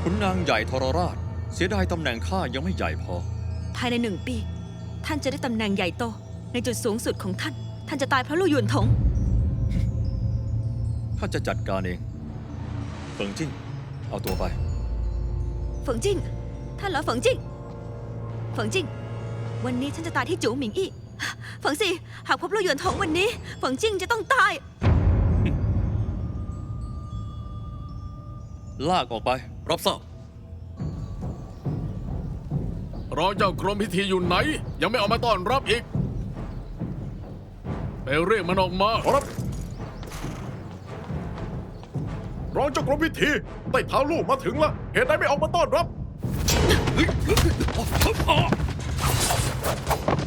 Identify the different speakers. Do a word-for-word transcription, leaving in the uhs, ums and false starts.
Speaker 1: ขุนนางใหญ่ทรราชเสียดายตำแหน่งข้ายังไม่ใหญ่พอ
Speaker 2: ภายในหนึ่งปี ท่านจะได้ตำแหน่งใหญ่โตในจุดสูงสุดของท่าน ท่านจะตายเพราะลู่หยวนถง
Speaker 1: ข้าจะจัดการเองเฟิงจิ้งเอาตัวไป
Speaker 2: เฟิงจิ้งท่านเหรอเฟิงจิ้งเฟิงจิ้งวันนี้ท่านจะตายที่จูหมิงอี้เฟิงซีหากพบลู่หยวนถงวันนี้เฟิงจิ้งจะต้องตาย
Speaker 1: ลากออกไป
Speaker 3: รับทราบรองเจ้ากรมพิธีอยู่ไหน ยังไม่ออกมาต้อนรับอีกไปเรียกมันออกมา
Speaker 4: ขอรับรองเจ้ากรมพิธีใต้เท้าลูกมาถึงแล้วเหตุใดไม่ออกมาต้อนรับ